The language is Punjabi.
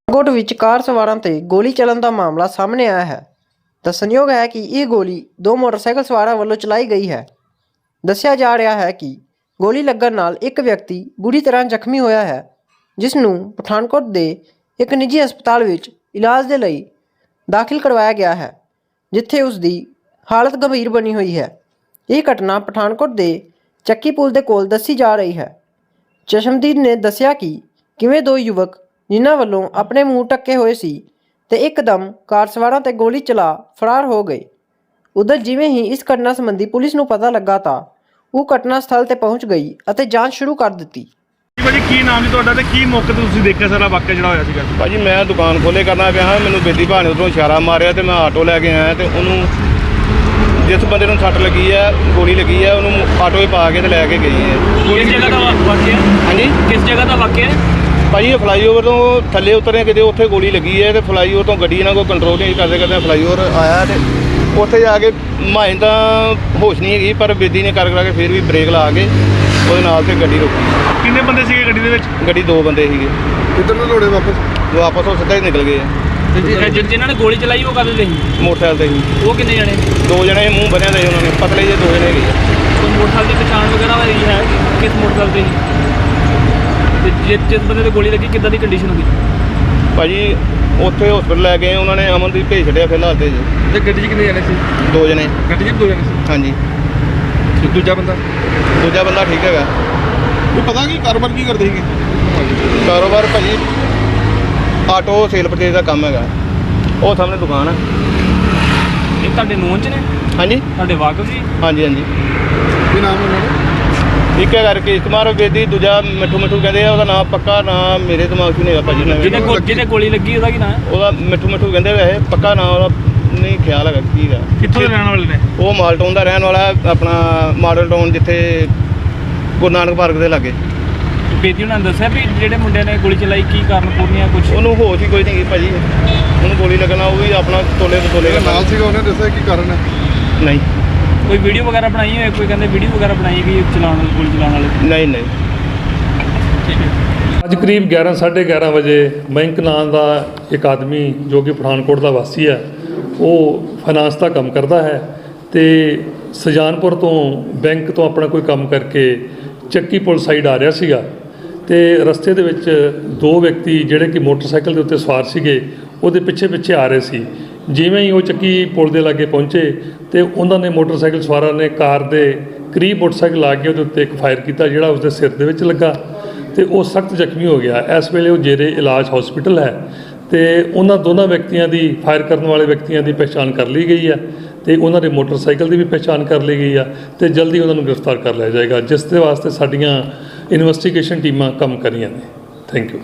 ਪਠਾਨਕੋਟ ਵਿੱਚ ਕਾਰ ਸਵਾਰਾਂ ਤੇ ਗੋਲੀ ਚੱਲਣ ਦਾ ਮਾਮਲਾ ਸਾਹਮਣੇ ਆਇਆ ਹੈ। ਦੱਸਣਯੋਗ ਹੈ ਕਿ ਇਹ ਗੋਲੀ ਦੋ ਮੋਟਰਸਾਈਕਲ ਸਵਾਰਾਂ ਵੱਲੋਂ ਚਲਾਈ ਗਈ ਹੈ। ਦੱਸਿਆ ਜਾ ਰਿਹਾ ਹੈ ਕਿ ਗੋਲੀ ਲੱਗਣ ਨਾਲ ਇੱਕ ਵਿਅਕਤੀ ਬੁਰੀ ਤਰ੍ਹਾਂ ਜ਼ਖਮੀ ਹੋਇਆ ਹੈ, ਜਿਸ ਨੂੰ ਪਠਾਨਕੋਟ ਦੇ ਇੱਕ ਨਿੱਜੀ ਹਸਪਤਾਲ ਵਿੱਚ ਇਲਾਜ ਦੇ ਲਈ ਦਾਖਲ ਕਰਵਾਇਆ ਗਿਆ ਹੈ, ਜਿੱਥੇ ਉਸ ਦੀ ਹਾਲਤ ਗੰਭੀਰ ਬਣੀ ਹੋਈ ਹੈ। ਇਹ ਘਟਨਾ ਪਠਾਨਕੋਟ ਦੇ ਚੱਕੀ ਪੁਲ ਦੇ ਕੋਲ ਦੱਸੀ ਜਾ ਰਹੀ ਹੈ। ਚਸ਼ਮਦੀਦ ਨੇ ਦੱਸਿਆ ਕਿ ਕਿਵੇਂ ਦੋ ਯੁਵਕ ਜਿਨ੍ਹਾਂ ਵੱਲੋਂ ਆਪਣੇ ਮੂੰਹ ਢੱਕੇ ਹੋਏ ਸੀ ਤੇ ਇੱਕਦਮ ਕਾਰ ਸਵਾਰਾਂ ਤੇ ਗੋਲੀ ਚਲਾ ਫਰਾਰ ਹੋ ਗਏ। ਉਧਰ ਜਿਵੇਂ ਹੀ ਇਸ ਘਟਨਾ ਸੰਬੰਧੀ ਪੁਲਿਸ ਨੂੰ ਪਤਾ ਲੱਗਾ ਤਾਂ ਉਹ ਘਟਨਾ ਸਥਲ ਤੇ ਪਹੁੰਚ ਗਈ ਅਤੇ ਜਾਂਚ ਸ਼ੁਰੂ ਕਰ ਦਿੱਤੀ। ਭਾਜੀ ਕੀ ਨਾਮ ਜੀ ਤੁਹਾਡਾ ਤੇ ਕੀ ਮੌਕੇ ਤੇ ਤੁਸੀਂ ਦੇਖਿਆ ਸਾਰਾ ਵਾਕਿਆ ਜਿਹੜਾ ਹੋਇਆ ਸੀਗਾ? ਭਾਜੀ ਮੈਂ ਦੁਕਾਨ ਖੋਲੇ ਕਰਨਾ ਪਿਆ ਹਾਂ, ਮੈਨੂੰ ਬੇਦੀ ਭਾਣੇ ਉਧਰੋਂ ਇਸ਼ਾਰਾ ਮਾਰਿਆ ਤੇ ਮੈਂ ਆਟੋ ਲੈ ਕੇ ਆਇਆ ਤੇ ਉਹਨੂੰ ਜਿਸ ਬੰਦੇ ਨੂੰ ਸੱਟ ਲੱਗੀ ਹੈ, ਗੋਲੀ ਲੱਗੀ ਹੈ, ਉਹਨੂੰ ਆਟੋ 'ਚ ਪਾ ਕੇ ਤੇ ਲੈ ਕੇ ਗਈ ਹੈ। ਕਿਸ ਜਗ੍ਹਾ ਦਾ ਵਾਕਿਆ? ਹਾਂਜੀ, ਕਿਸ ਜਗ੍ਹਾ ਦਾ ਵਾਕਿਆ ਹੈ? ਭਾਜੀ ਇਹ ਫਲਾਈਓਵਰ ਤੋਂ ਥੱਲੇ ਉਤਰੇ ਕਿਤੇ ਉੱਥੇ ਗੋਲੀ ਲੱਗੀ ਹੈ ਤੇ ਫਲਾਈਓਵਰ ਤੋਂ ਗੱਡੀ ਇਹਨਾਂ ਕੋਲ ਕੰਟਰੋਲ ਨਹੀਂ ਕਰਦੇ ਫਲਾਈਓਵਰ ਆਇਆ ਤੇ ਉੱਥੇ ਜਾ ਕੇ ਮਾਏ ਤਾਂ ਹੋਸ਼ ਨਹੀਂ ਹੈਗੀ, ਪਰ ਬੇਦੀ ਨੇ ਕਰ ਕੇ ਫਿਰ ਵੀ ਬ੍ਰੇਕ ਲਾ ਕੇ ਉਹਦੇ ਨਾਲ ਤੇ ਗੱਡੀ ਰੋਕੀ। ਕਿੰਨੇ ਬੰਦੇ ਸੀਗੇ ਗੱਡੀ ਦੇ ਵਿੱਚ? ਗੱਡੀ ਦੋ ਬੰਦੇ ਸੀਗੇ। ਕਿੱਧਰ ਨੂੰ ਦੌੜੇ ਵਾਪਸ ਉਹ ਸਿੱਧਾ ਹੀ ਨਿਕਲ ਗਏ ਆ। ਜਿਨ੍ਹਾਂ ਨੇ ਗੋਲੀ ਚਲਾਈ ਉਹ ਕਦੇ ਸੀ? ਮੋਟਰਸਾਈਕਲ ਤੇ ਸੀ। ਉਹ ਕਿੰਨੇ ਜਣੇ? ਦੋ ਜਣੇ ਮੂੰਹ ਬੰਨਿਆ ਦੇ ਉਹਨਾਂ ਨੇ, ਪਤਲੇ ਜਿਹੇ ਦੋ ਜਣੇ ਗਏ। ਕੋਈ ਮੋਟਰਸਾਈਕਲ ਦੀ ਪਛਾਣ ਵਗੈਰਾ ਹੋਈ ਹੈ ਕਿਸ ਮੋਟਰਸਾਈਕਲ ਤੇ ਸੀ? ਤੇ ਜਿਸ ਬੰਦੇ ਤੇ ਗੋਲੀ ਲੱਗੀ ਕਿੱਦਾਂ ਦੀ ਕੰਡੀਸ਼ਨ ਹੋਈ? ਭਾਜੀ ਉੱਥੇ ਹਸਪੀਟਲ ਲੈ ਗਏ ਉਹਨਾਂ ਨੇ, ਅਮਨਦੀਪ ਭੇਜ ਛੱਡਿਆ ਫਿਲਹਾਲ ਤੇ ਜੀ। ਤੇ ਗੱਡੀ 'ਚ ਕਿੰਨੇ ਜਣੇ ਸੀ? ਦੋ ਜਣੇ। ਗੱਡੀ 'ਚ ਦੋ ਜਣੇ ਸੀ। ਹਾਂਜੀ। ਤੇ ਦੂਜਾ ਬੰਦਾ ਠੀਕ ਹੈਗਾ। ਉਹ ਪਤਾ ਕੀ ਕਾਰੋਬਾਰ ਕੀ ਕਰਦੇ ਸੀਗੇ? ਕਾਰੋਬਾਰ ਭਾਜੀ ਆਟੋ ਸੇਲ ਪਰਚੇਜ਼ ਦਾ ਕੰਮ ਹੈਗਾ। ਉਹ ਸਾਹਮਣੇ ਦੁਕਾਨ ਹੈ। ਇਹ ਤੁਹਾਡੇ ਨੋਨ ਚ ਨੇ? ਹਾਂਜੀ ਤੁਹਾਡੇ ਵਾਕਫ ਜੀ? ਹਾਂਜੀ। ਕੀ ਨਾਮ ਉਹਨਾਂ ਦਾ? ਇੱਕ ਹੈਗਾ ਰਕੇਸ਼ ਕੁਮਾਰ ਬੇਦੀ, ਦੂਜਾ ਮਿੱਠੂ ਕਹਿੰਦੇ ਆ। ਉਹਦਾ ਨਾਮ ਪੱਕਾ ਨਾਮ ਮੇਰੇ ਦਿਮਾਗ 'ਚ ਨਹੀਂ ਹੈਗਾ ਭਾਜੀ। ਜਿਹਨੇ ਗੋਲੀ ਲੱਗੀ ਉਹਦਾ ਕੀ ਨਾਮ ਹੈ? ਉਹਦਾ ਮਿੱਠੂ ਕਹਿੰਦੇ ਵੈਸੇ, ਪੱਕਾ ਨਾਮ ਉਹਦਾ ਨਹੀਂ ਖਿਆਲ ਹੈਗਾ ਕੀ ਹੈਗਾ। ਕਿੱਥੋਂ ਦੇ ਰਹਿਣ ਵਾਲੇ ਨੇ? ਉਹ ਮਾਲਟਾਊਨ ਦਾ ਰਹਿਣ ਵਾਲਾ, ਆਪਣਾ ਮਾਡਲ ਟਾਊਨ, ਜਿੱਥੇ ਗੁਰੂ ਨਾਨਕ ਪਾਰਕ ਦੇ ਲਾਗੇ। ਬੇਦੀ ਉਹਨਾਂ ਨੇ ਦੱਸਿਆ ਵੀ ਜਿਹੜੇ ਮੁੰਡਿਆਂ ਨੇ ਗੋਲੀ ਚਲਾਈ ਕੀ ਕਾਰਨ ਪੂਰਨੀਆਂ ਕੁਝ? ਉਹਨੂੰ ਹੋਸ਼ ਹੀ ਕੋਈ ਨਹੀਂ ਗਈ ਭਾਜੀ। ਉਹਨੂੰ ਗੋਲੀ ਲੱਗਣਾ, ਉਹ ਵੀ ਆਪਣਾ ਤੋਲੇ ਨਾਲ ਸੀਗਾ, ਉਹਨੇ ਦੱਸਿਆ ਕੀ ਕਾਰਨ ਹੈ? ਨਹੀਂ। ਕੋਈ ਵੀਡੀਓ ਵਗੈਰਾ ਬਣਾਈ ਹੋਏ? ਕੋਈ ਕਹਿੰਦੇ ਵੀਡੀਓ ਵਗੈਰਾ ਬਣਾਈ ਗਈ ਗੋਲੀ ਚਲਾਉਣ ਵਾਲੇ? ਨਹੀਂ। ਠੀਕ ਹੈ। ਅੱਜ ਕਰੀਬ 11:30 ਵਜੇ ਮਯੰਕ ਨਾਂ ਦਾ ਇੱਕ ਆਦਮੀ ਜੋ ਕਿ ਪਠਾਨਕੋਟ ਦਾ ਵਾਸੀ ਹੈ, ਉਹ ਫਾਈਨਾਂਸ ਦਾ ਕੰਮ ਕਰਦਾ ਹੈ ਤੇ ਸੁਜਾਨਪੁਰ ਤੋਂ ਬੈਂਕ ਤੋਂ ਆਪਣਾ ਕੋਈ ਕੰਮ ਕਰਕੇ ਚੱਕੀ ਪੁਲ ਸਾਈਡ ਆ ਰਿਹਾ ਸੀਗਾ ਤੇ ਰਸਤੇ ਦੇ ਵਿੱਚ ਦੋ ਵਿਅਕਤੀ ਜਿਹੜੇ ਕਿ ਮੋਟਰਸਾਈਕਲ ਦੇ ਉੱਤੇ ਸਵਾਰ ਸੀਗੇ, ਉਹਦੇ ਪਿੱਛੇ ਆ ਰਹੇ ਸੀ। ਜਿਵੇਂ ਹੀ ਉਹ ਚੱਕੀ ਪੁਲ ਦੇ ਲਾਗੇ ਪਹੁੰਚੇ ਤੇ ਉਹਨਾਂ ਨੇ ਮੋਟਰਸਾਈਕਲ ਸਵਾਰਾਂ ਨੇ ਕਾਰ ਦੇ ਕਰੀਬ ਮੋਟਰਸਾਈਕਲ ਲਾ ਕੇ ਉਹਦੇ ਉੱਤੇ ਇੱਕ ਫਾਇਰ ਕੀਤਾ, ਜਿਹੜਾ ਉਸਦੇ ਸਿਰ ਦੇ ਵਿੱਚ ਲੱਗਾ ਤੇ ਉਹ ਸਖਤ ਜ਼ਖਮੀ ਹੋ ਗਿਆ। ਇਸ ਵੇਲੇ ਉਹ ਜੇਰੇ ਇਲਾਜ ਹਸਪੀਟਲ ਹੈ ਤੇ ਉਹਨਾਂ ਦੋਨਾਂ ਵਿਅਕਤੀਆਂ ਦੀ, ਫਾਇਰ ਕਰਨ ਵਾਲੇ ਵਿਅਕਤੀਆਂ ਦੀ ਪਛਾਣ ਕਰ ਲਈ ਗਈ ਹੈ ਤੇ ਉਹਨਾਂ ਦੇ ਮੋਟਰਸਾਈਕਲ ਦੀ ਵੀ ਪਛਾਣ ਕਰ ਲਈ ਗਈ ਆ ਤੇ ਜਲਦੀ ਉਹਨਾਂ ਨੂੰ ਗ੍ਰਿਫਤਾਰ ਕਰ ਲਿਆ ਜਾਏਗਾ, ਜਿਸ ਦੇ ਵਾਸਤੇ ਸਾਡੀਆਂ ਇਨਵੈਸਟੀਗੇਸ਼ਨ ਟੀਮਾਂ ਕੰਮ ਕਰ ਰਹੀਆਂ ਨੇ। Thank you.